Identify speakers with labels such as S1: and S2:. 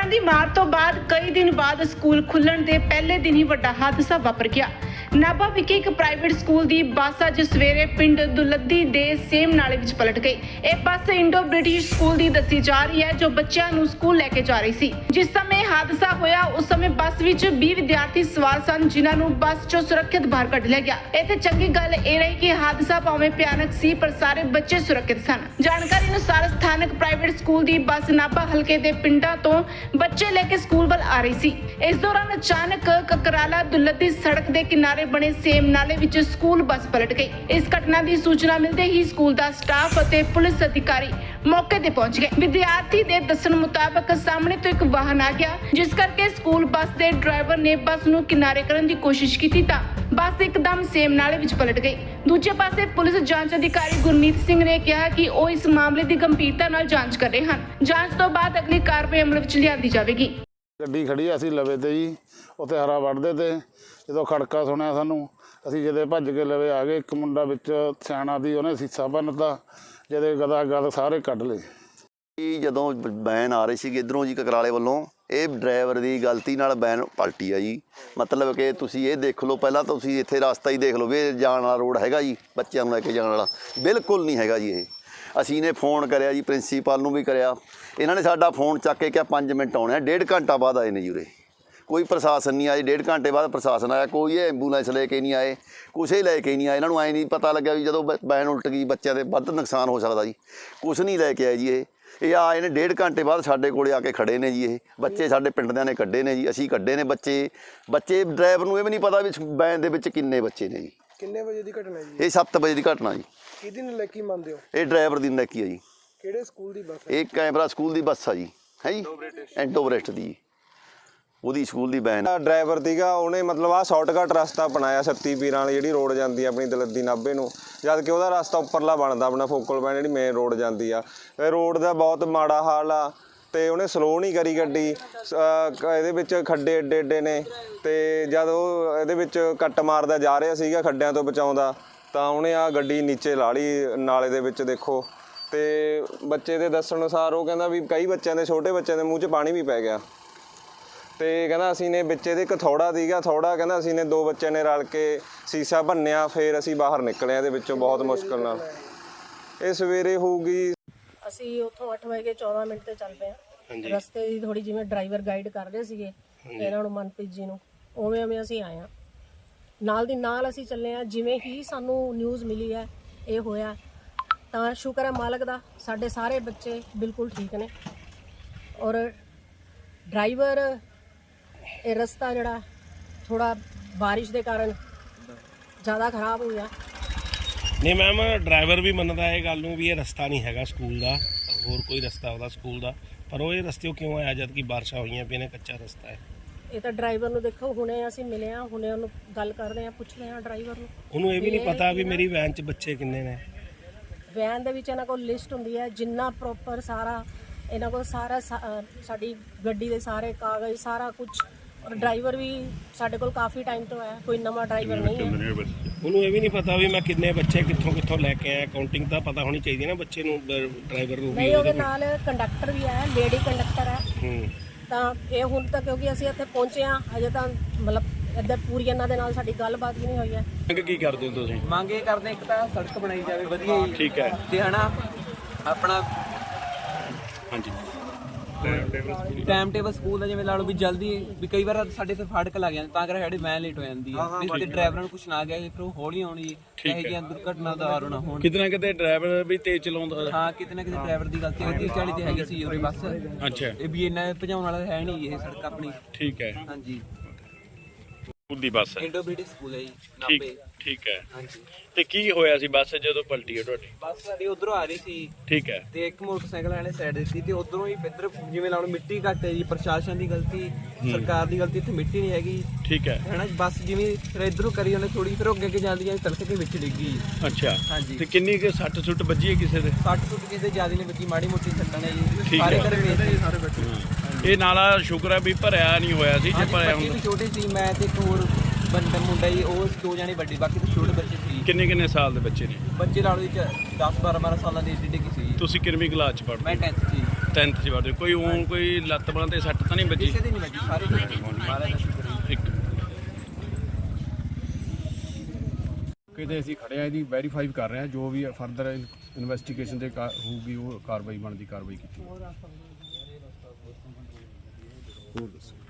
S1: ਦੀ ਮਾਰ ਤੋਂ ਬਾਅਦ ਕਈ ਦਿਨ ਬਾਅਦ ਸਕੂਲ ਖੁੱਲਣ ਦੇ ਪਹਿਲੇ ਦਿਨ ਹੀ ਵੱਡਾ ਹਾਦਸਾ ਵਾਪਰ ਗਿਆ। ਨਾਭਾ ਵਿਖੇ ਇੱਕ ਪ੍ਰਾਈਵੇਟ ਸਕੂਲ ਦੀ ਬੱਸ ਅੱਜ ਸਵੇਰੇ ਪਿੰਡ ਦੁਲੱਦੀ ਦੇ ਸੇਮ ਨਾਲੇ ਵਿੱਚ ਪਲਟ ਗਈ। ਇਹ ਬੱਸ ਇੰਡੋ ਬ੍ਰਿਟਿਸ਼ ਸਕੂਲ ਦੀ ਦੱਸੀ ਜਾ ਰਹੀ ਹੈ ਜੋ ਬੱਚਿਆਂ ਨੂੰ ਸਕੂਲ ਲੈ ਕੇ ਜਾ ਰਹੀ ਸੀ। ਜਿਸ ਸਮੇਂ ਹਾਦਸਾ ਹੋਇਆ ਉਸ ਸਮੇਂ ਬੱਸ ਵਿੱਚ 20 ਵਿਦਿਆਰਥੀ ਸਵਾਰ ਸਨ ਜਿਨ੍ਹਾਂ ਨੂੰ ਬੱਸ ਚੋਂ ਸੁਰੱਖਿਅਤ ਬਾਹਰ ਕੱਢ ਲਿਆ ਗਿਆ। ਇੱਥੇ ਚੰਗੀ ਗੱਲ ਇਹ ਰਹੀ ਕਿ ਹਾਦਸਾ ਭਾਵੇਂ ਭਿਆਨਕ ਸੀ ਪਰ ਸਾਰੇ ਬੱਚੇ ਸੁਰੱਖਿਅਤ ਸਨ। ਜਾਣਕਾਰੀ ਅਨੁਸਾਰ ਸਥਾਨਕ ਪ੍ਰਾਈਵੇਟ ਸਕੂਲ ਦੀ ਬੱਸ ਨਾਭਾ ਹਲਕੇ ਦੇ ਪਿੰਡਾਂ ਤੋਂ ਬੱਚੇ ਲੈ ਕੇ ਸਕੂਲ ਵੱਲ ਆ ਰਹੀ ਸੀ। ਇਸ ਦੌਰਾਨ ਅਚਾਨਕ ਕਕਰਾਲਾ ਦੁਲੱਦੀ ਸੜਕ ਦੇ ਕਿਨਾਰੇ ਬਣੇ ਸੇਮ ਨਾਲੇ ਵਿੱਚ ਸਕੂਲ ਬੱਸ ਪਲਟ ਗਈ। ਇਸ ਘਟਨਾ ਦੀ ਸੂਚਨਾ ਮਿਲਦੇ ਹੀ ਸਕੂਲ ਦਾ ਸਟਾਫ ਅਤੇ ਪੁਲਿਸ ਅਧਿਕਾਰੀ ਮੌਕੇ ਤੇ ਪਹੁੰਚ ਗਏ। ਵਿਦਿਆਰਥੀ ਦੇ ਦੱਸਣ ਮੁਤਾਬਕ ਸਾਹਮਣੇ ਤੋਂ ਇੱਕ ਵਾਹਨ ਆ ਗਿਆ ਜਿਸ ਕਰਕੇ ਸਕੂਲ ਬੱਸ ਦੇ ਡਰਾਈਵਰ ਨੇ ਬੱਸ ਨੂੰ ਕਿਨਾਰੇ ਕਰਨ ਦੀ ਕੋਸ਼ਿਸ਼ ਕੀਤੀ ਤਾਂ ਬੱਸ ਇੱਕਦਮ ਸੇਮ ਨਾਲੇ ਵਿੱਚ ਪਲਟ ਗਈ। ਦੂਜੇ ਪਾਸੇ ਪੁਲਿਸ ਜਾਂਚ ਅਧਿਕਾਰੀ ਗੁਰਮੀਤ ਸਿੰਘ ਨੇ ਕਿਹਾ ਕਿ ਉਹ ਇਸ ਮਾਮਲੇ ਦੀ ਗੰਭੀਰਤਾ ਨਾਲ ਜਾਂਚ ਕਰ ਰਹੇ ਹਨ। ਜਾਂਚ ਤੋਂ ਬਾਅਦ ਅਗਲੀ ਕਾਰਵਾਈ ਅਮਲ ਵਿੱਚ ਲਿਆਂਦੀ ਜਾਵੇਗੀ।
S2: ਗੱਡੀ ਖੜੀ ਅਸੀਂ ਲਵੇ ਤੇ ਜੀ ਉੱਥੇ ਹਰਾ ਵੱਢਦੇ ਤੇ ਜਦੋਂ ਖੜਕਾ ਸੁਣਿਆ ਸਾਨੂੰ ਅਸੀਂ ਜਦੇ ਭੱਜ ਕੇ ਲਵੇ ਆ ਗਏ। ਇੱਕ ਮੁੰਡਾ ਵਿੱਚ ਸਿਆਣਾ ਦੀ ਉਹਨੇ ਸੀਸਾ ਭੰਨਤਾ ਜਦੇ ਗਦਾ ਗਦ ਸਾਰੇ ਕੱਢ ਲਏ।
S3: ਜਦੋਂ ਵੈਨ ਆ ਰਹੀ ਸੀ ਇੱਧਰੋਂ ਜੀ ਕਕਰਾਲੇ ਵੱਲੋਂ ਇਹ ਡਰਾਈਵਰ ਦੀ ਗਲਤੀ ਨਾਲ ਵੈਨ ਪਲਟੀ ਆ ਜੀ। ਮਤਲਬ ਕਿ ਤੁਸੀਂ ਇਹ ਦੇਖ ਲਓ ਪਹਿਲਾਂ ਤੁਸੀਂ ਇੱਥੇ ਰਸਤਾ ਹੀ ਦੇਖ ਲਓ ਵੀ ਇਹ ਜਾਣ ਵਾਲਾ ਰੋਡ ਹੈਗਾ ਜੀ ਬੱਚਿਆਂ ਨੂੰ ਲੈ ਕੇ ਜਾਣ ਵਾਲਾ ਬਿਲਕੁਲ ਨਹੀਂ ਹੈਗਾ ਜੀ। ਇਹ ਅਸੀਂ ਨੇ ਫੋਨ ਕਰਿਆ ਜੀ ਪ੍ਰਿੰਸੀਪਲ ਨੂੰ ਵੀ ਕਰਿਆ। ਇਹਨਾਂ ਨੇ ਸਾਡਾ ਫੋਨ ਚੱਕ ਕੇ ਕਿਹਾ 5 ਮਿੰਟ ਆਉਣੇ ਆ। 1.5 ਘੰਟਾ ਬਾਅਦ ਆਏ ਨੇ ਜੀ ਉਰੇ। ਕੋਈ ਪ੍ਰਸ਼ਾਸਨ ਨਹੀਂ ਆਇਆ। 1.5 ਘੰਟੇ ਬਾਅਦ ਪ੍ਰਸ਼ਾਸਨ ਆਇਆ। ਕੋਈ ਐਂਬੂਲੈਂਸ ਲੈ ਕੇ ਨਹੀਂ ਆਏ ਕੁਛ ਹੀ ਲੈ ਕੇ ਨਹੀਂ ਆਏ। ਇਹਨਾਂ ਨੂੰ ਐਂ ਨਹੀਂ ਪਤਾ ਲੱਗਿਆ ਵੀ ਜਦੋਂ ਵੈਨ ਉਲਟ ਗਈ ਬੱਚਿਆਂ ਦੇ ਵੱਧ ਨੁਕਸਾਨ ਹੋ ਸਕਦਾ ਜੀ। ਕੁਛ ਨਹੀਂ ਲੈ ਕੇ ਆਏ ਜੀ। ਇਹ ਆਏ ਨੇ 1.5 ਘੰਟੇ ਬਾਅਦ ਸਾਡੇ ਕੋਲੇ ਆ ਕੇ ਖੜੇ ਨੇ ਜੀ। ਇਹ ਬੱਚੇ ਸਾਡੇ ਪਿੰਡ ਦਿਆਂ ਨੇ ਕੱਢੇ ਨੇ ਜੀ। ਅਸੀਂ ਕੱਢੇ ਨੇ ਬੱਚੇ ਡਰਾਈਵਰ ਨੂੰ ਇਹ ਵੀ ਨਹੀਂ ਪਤਾ ਵੀ ਵੈਨ ਦੇ ਵਿੱਚ ਕਿੰਨੇ ਬੱਚੇ ਨੇ ਜੀ।
S4: ਕਿੰਨੇ ਵਜੇ ਦੀ ਘਟਨਾ ਜੀ?
S3: ਇਹ 7 ਵਜੇ ਦੀ ਘਟਨਾ ਜੀ।
S4: ਕਿਹਦੀ ਨਲਾਇਕੀ ਮੰਨਦੇ ਹੋ?
S3: ਇਹ ਡਰਾਈਵਰ ਦੀ ਨਲਾਇਕੀ ਹੈ ਜੀ।
S4: ਕਿਹੜੇ ਸਕੂਲ ਦੀ ਬੱਸ ਹੈ?
S3: ਇਹ ਕੈਮਰਾ ਸਕੂਲ ਦੀ ਬੱਸ ਆ ਜੀ। ਹੈ ਜੀ ਇੰਡੋ ਬ੍ਰਿਟਿਸ਼ ਦੀ ਉਹਦੀ ਸਕੂਲ ਦੀ ਵੈਨ।
S5: ਡਰਾਈਵਰ ਸੀਗਾ ਉਹਨੇ ਮਤਲਬ ਆਹ ਸ਼ਾਰਟਕਟ ਰਸਤਾ ਅਪਣਾਇਆ ਸੱਤੀ ਪੀਰਾਂ ਵਾਲੀ ਜਿਹੜੀ ਰੋਡ ਜਾਂਦੀ ਆ ਆਪਣੀ ਦਲੱਦੀ ਨਾਭੇ ਨੂੰ, ਜਦ ਕਿ ਉਹਦਾ ਰਸਤਾ ਉੱਪਰਲਾ ਬਣਦਾ ਆਪਣਾ ਫੋਕਲ ਪੁਆਇੰਟ ਜਿਹੜੀ ਮੇਨ ਰੋਡ ਜਾਂਦੀ ਆ। ਇਹ ਰੋਡ ਦਾ ਬਹੁਤ ਮਾੜਾ ਹਾਲ ਆ ਤੇ ਉਹਨੇ ਸਲੋ ਨਹੀਂ ਕਰੀ ਗੱਡੀ। ਇਹਦੇ ਵਿੱਚ ਖੱਡੇ ਏਡੇ ਏਡੇ ਨੇ ਤੇ ਜਦ ਉਹ ਇਹਦੇ ਵਿੱਚ ਕੱਟ ਮਾਰਦਾ ਜਾ ਰਿਹਾ ਸੀਗਾ ਖੱਡਿਆਂ ਤੋਂ ਬਚਾਉਂਦਾ ਤਾਂ ਉਹਨੇ ਆ ਗੱਡੀ ਨੀਚੇ ਲਾ ਲਈ ਨਾਲੇ ਦੇ ਵਿੱਚ। ਦੇਖੋ ਤੇ ਬੱਚੇ ਦੇ ਦੱਸਣ ਅਨੁਸਾਰ ਉਹ ਕਹਿੰਦਾ ਵੀ ਕਈ ਬੱਚਿਆਂ ਦੇ ਛੋਟੇ ਬੱਚਿਆਂ ਦੇ ਮੂੰਹ 'ਚ ਪਾਣੀ ਵੀ ਪੈ ਗਿਆ ਤੇ ਕਹਿੰਦਾ ਅਸੀਂ ਨੇ ਵਿੱਚ ਇਹਦੇ ਇੱਕ ਥੋੜਾ ਸੀਗਾ ਥੋੜਾ ਕਹਿੰਦਾ ਅਸੀਂ ਨੇ 2 ਬੱਚਿਆਂ ਨੇ ਰਲ ਕੇ ਸੀਸਾ ਭੰਨਿਆ ਫਿਰ ਅਸੀਂ ਬਾਹਰ ਨਿਕਲੇ ਇਹਦੇ ਵਿੱਚੋਂ ਬਹੁਤ ਮੁਸ਼ਕਲ ਨਾਲ। ਇਹ ਸਵੇਰੇ ਹੋਊਗੀ।
S6: ਅਸੀਂ ਉੱਥੋਂ 8 ਵਜੇ 14 ਮਿੰਟ ਤੇ ਚੱਲ ਪਏ ਹਾਂ। ਰਸਤੇ ਦੀ ਥੋੜੀ ਜਿਵੇਂ ਡਰਾਈਵਰ ਗਾਈਡ ਕਰ ਰਹੇ ਸੀਗੇ ਇਹਨਾਂ ਨੂੰ ਮਨਪ੍ਰੀਤ ਜੀ ਨੂੰ ਉਵੇਂ ਅਸੀਂ ਆਏ ਹਾਂ। ਨਾਲ ਦੀ ਨਾਲ ਅਸੀਂ ਚੱਲੇ ਹਾਂ। ਜਿਵੇਂ ਹੀ ਸਾਨੂੰ ਨਿਊਜ਼ ਮਿਲੀ ਹੈ ਇਹ ਹੋਇਆ ਤਾਂ ਸ਼ੁਕਰ ਹੈ ਮਾਲਕ ਦਾ ਸਾਡੇ ਸਾਰੇ ਬੱਚੇ ਬਿਲਕੁਲ ਠੀਕ ਨੇ। ਔਰ ਡਰਾਈਵਰ ਇਹ ਰਸਤਾ ਜਿਹੜਾ ਥੋੜਾ ਬਾਰਿਸ਼ ਦੇ ਕਾਰਨ ਜ਼ਿਆਦਾ ਖਰਾਬ ਹੋ ਗਿਆ।
S7: ਨਹੀਂ ਮੈਮ ਡਰਾਈਵਰ ਵੀ ਮੰਨਦਾ ਇਹ ਗੱਲ ਨੂੰ ਵੀ ਇਹ ਰਸਤਾ ਨਹੀਂ ਹੈਗਾ ਸਕੂਲ ਦਾ, ਹੋਰ ਕੋਈ ਰਸਤਾ ਉਹਦਾ ਸਕੂਲ ਦਾ, ਪਰ ਉਹ ਇਹ ਰਸਤੇ ਕਿਉਂ ਆਇਆ ਜਦ ਕਿ ਬਾਰਿਸ਼ਾਂ ਹੋਈਆਂ ਪਈਆਂ ਨੇ ਕੱਚਾ ਰਸਤਾ ਹੈ।
S6: ਇਹ ਤਾਂ ਡਰਾਈਵਰ ਨੂੰ ਦੇਖੋ ਹੁਣੇ ਅਸੀਂ ਮਿਲੇ ਹਾਂ ਹੁਣੇ ਉਹਨੂੰ ਗੱਲ ਕਰਦੇ ਹਾਂ ਪੁੱਛਦੇ ਹਾਂ ਡਰਾਈਵਰ ਨੂੰ।
S7: ਉਹਨੂੰ ਇਹ ਵੀ ਨਹੀਂ ਪਤਾ ਵੀ ਮੇਰੀ ਵੈਨ 'ਚ ਬੱਚੇ ਕਿੰਨੇ ਨੇ।
S6: ਵੈਨ ਦੇ ਵਿੱਚ ਇਹਨਾਂ ਕੋਲ ਲਿਸਟ ਹੁੰਦੀ ਹੈ ਜਿੰਨਾ ਪ੍ਰੋਪਰ ਸਾਰਾ ਇਹਨਾਂ ਕੋਲ ਸਾਰਾ ਸਾਡੀ ਗੱਡੀ ਦੇ ਸਾਰੇ ਕਾਗਜ਼ ਸਾਰਾ ਕੁਝ। ਔਰ ਡਰਾਈਵਰ ਵੀ ਸਾਡੇ ਕੋਲ ਕਾਫੀ ਟਾਈਮ ਤੋਂ ਹੈ ਕੋਈ ਨਵਾਂ ਡਰਾਈਵਰ ਨਹੀਂ ਹੈ।
S7: ਉਹਨੂੰ ਇਹ ਵੀ ਨਹੀਂ ਪਤਾ ਵੀ ਮੈਂ ਕਿੰਨੇ ਬੱਚੇ ਕਿੱਥੋਂ ਲੈ ਕੇ ਆਇਆ। ਕਾਊਂਟਿੰਗ ਤਾਂ ਪਤਾ ਹੋਣੀ ਚਾਹੀਦੀ ਨਾ ਬੱਚੇ ਨੂੰ ਡਰਾਈਵਰ ਨੂੰ।
S6: ਨਹੀਂ ਉਹਦੇ ਨਾਲ ਕੰਡਕਟਰ ਵੀ ਹੈ ਲੇਡੀ ਕੰਡਕਟਰ ਹੈ। ਤਾਂ ਇਹ ਹੁਣ ਤੱਕ ਕਿਉਂਕਿ ਅਸੀਂ ਇੱਥੇ ਪਹੁੰਚੇ ਹਾਂ ਅਜੇ ਤਾਂ ਮਤਲਬ ਇੱਧਰ ਪੂਰੀ ਇਹਨਾਂ ਦੇ ਨਾਲ ਸਾਡੀ ਗੱਲਬਾਤ ਵੀ ਨਹੀਂ ਹੋਈ ਹੈ।
S7: ਕੀ ਕਰਦੇ ਹੋ ਤੁਸੀਂ?
S8: ਮੰਗ ਇਹ ਕਰਦੇ ਇੱਕ ਤਾਂ ਸੜਕ ਬਣਾਈ ਜਾਵੇ ਵਧੀਆ ਜੀ।
S7: ਠੀਕ ਹੈ
S8: ਤੇ ਹਨਾ ਆਪਣਾ
S7: ਹਾਂਜੀ
S8: ਟਾਈਮ ਟੇਬਲ ਸਕੂਲ ਦਾ ਜਿਵੇਂ ਲਾ ਲਓ ਵੀ ਜਲਦੀ ਵੀ ਕਈ ਵਾਰ ਸਾਡੇ ਤੇ ਫਾਟਕ ਲੱਗ ਜਾਂਦੇ ਤਾਂ ਕਰਕੇ ਸਾਡੀ ਵੈਨ ਲੇਟ ਹੋ ਜਾਂਦੀ ਹੈ। ਤੇ ਡਰਾਈਵਰਾਂ ਨੂੰ ਕੁਛ ਨਾ ਗਿਆ ਫਿਰ ਉਹ ਹੌਲੀ ਆਉਣੀ ਹੈ ਇਹ ਜਿਹੀਆਂ ਦੁਰਘਟਨਾ ਦਾ ਕਾਰਨ ਨਾ ਹੋਣ।
S7: ਕਿਤੇ ਨਾ ਕਿਤੇ ਡਰਾਈਵਰ ਵੀ ਤੇਜ਼ ਚਲਾਉਂਦਾ।
S8: ਹਾਂ ਕਿਤੇ ਨਾ ਕਿਤੇ ਡਰਾਈਵਰ ਦੀ ਗਲਤੀ 30-40 ਤੇ ਹੈਗੀ ਸੀ ਉਰੇ ਬੱਸ।
S7: ਅੱਛਾ
S8: ਇਹ ਵੀ ਇੰਨਾ ਭਜਾਉਣ ਵਾਲਾ ਹੈ ਨਹੀਂ ਇਹ ਸੜਕ ਆਪਣੀ।
S7: ਠੀਕ ਹੈ
S8: ਹਾਂਜੀ
S7: ਸਕੂਲ ਦੀ ਬੱਸ ਹੈ
S8: ਇੰਡੋ ਬ੍ਰਿਟਿਸ਼ ਸਕੂਲ ਹੈ ਜੀ ਨਾਭੇ।
S7: ਠੀਕ ਹੈ
S8: ਹਾਂਜੀ
S7: ਤੇ ਕੀ ਹੋਇਆ ਸੀ ਬੱਸ ਜਦੋਂ ਪਲਟੀ ਹੈ ਤੁਹਾਡੀ?
S8: ਬੱਸ ਸਾਡੀ ਉਧਰੋਂ ਆ ਰਹੀ ਸੀ
S7: ਠੀਕ ਹੈ
S8: ਤੇ ਇੱਕ ਮੋਟਰਸਾਈਕਲ ਵਾਲੇ ਸਾਈਡ ਦਿੱਤੀ ਤੇ ਉਧਰੋਂ ਹੀ ਇੱਧਰ ਜਿਵੇਂ ਲਾ ਲਓ ਮਿੱਟੀ ਘੱਟ ਹੈ ਜੀ। ਪ੍ਰਸ਼ਾਸਨ ਦੀ ਗਲਤੀ ਸਰਕਾਰ ਦੀ ਗਲਤੀ। ਇੱਥੇ ਮਿੱਟੀ ਨਹੀਂ ਹੈਗੀ।
S7: ਠੀਕ ਹੈ
S8: ਹੈ ਨਾ ਬੱਸ ਜਿਵੇਂ ਫਿਰ ਇੱਧਰੋਂ ਕਰੀ ਉਹਨੇ ਥੋੜੀ ਫਿਰ ਅੱਗੇ ਅੱਗੇ ਜਾਂਦੀ ਹੈ ਤੜਕੇ ਕੇ ਵਿੱਚ ਡਿੱਗੀ।
S7: ਅੱਛਾ
S8: ਹਾਂਜੀ
S7: ਤੇ ਕਿੰਨੀ ਕੁ ਸੱਟ ਸੁੱਟ ਵੱਜੀ ਹੈ ਕਿਸੇ ਦੇ?
S8: 60 ਫੁੱਟ ਕਿਸੇ ਜ਼ਿਆਦਾ ਨਹੀਂ ਬੱਜੀ ਮਾੜੀ ਮੋਟੀ ਸੱਟਾਂ ਨੇ ਜੀ।
S7: ਠੀਕ
S8: ਸਾਰੇ
S7: ਹੈ।
S8: ਘਰੇ ਵੇਚਦੇ ਸਾਰੇ ਬੱਚੇ।
S7: ਇਹ ਨਾਲਾ ਸ਼ੁਕਰ ਹੈ ਵੀ ਭਰਿਆ ਨਹੀਂ ਹੋਇਆ ਸੀ। ਜੇ ਭਰਿਆ
S8: ਬੱਚੇ ਵੀ
S7: ਹੁੰਦਾ
S8: ਛੋਟੇ ਸੀ ਮੈਂ ਤੇ ਇੱਕ ਹੋਰ ਬੰਦਾ ਮੁੰਡਾ ਜੀ ਉਹ 2 ਜਾਣੇ ਵੱਡੇ ਬਾਕੀ ਤਾਂ ਛੋਟੇ ਬੱਚੇ ਸੀ।
S7: ਕਿੰਨੇ ਸਾਲ ਦੇ ਬੱਚੇ ਨੇ?
S8: ਬੱਚੇ ਲਾ ਲਓ 10-12 ਸਾਲਾਂ ਦੇ ਏਡੇ ਕੀ ਸੀ।
S7: ਤੁਸੀਂ ਕਿੰਨਵੀਂ ਕਲਾਸ ਚ ਪੜ੍ਹਦੇ?
S8: ਮੈਂ 10th ਸੀ।
S9: 10th 'ਚ ਵੜਦੇ ਕੋਈ ਊਂ ਕੋਈ ਲੱਤ ਬਾਂਹ ਤੇ ਸੱਟ ਤਾਂ ਨਹੀਂ ਵੱਜੀ?
S8: ਕਿਸੇ ਦੀ ਨਹੀਂ ਵੱਜੀ, ਸਾਰੇ ਮਹਾਰਾਜ ਦਾ ਸ਼ੁਕਰ ਹੈ।
S9: ਇੱਕ
S10: ਕਿਤੇ ਅਸੀਂ ਖੜਿਆ ਇਹਦੀ ਵੈਰੀਫਾਈ ਕਰ ਰਹੇ ਹਾਂ, ਜੋ ਵੀ ਫਰਦਰ ਇਨਵੈਸਟੀਗੇਸ਼ਨ ਦੇ ਹੋਊਗੀ ਉਹ ਕਾਰਵਾਈ ਬਣਦੀ ਕਾਰਵਾਈ ਕੀਤੀ। ਹੋਰ ਦੱਸੋ।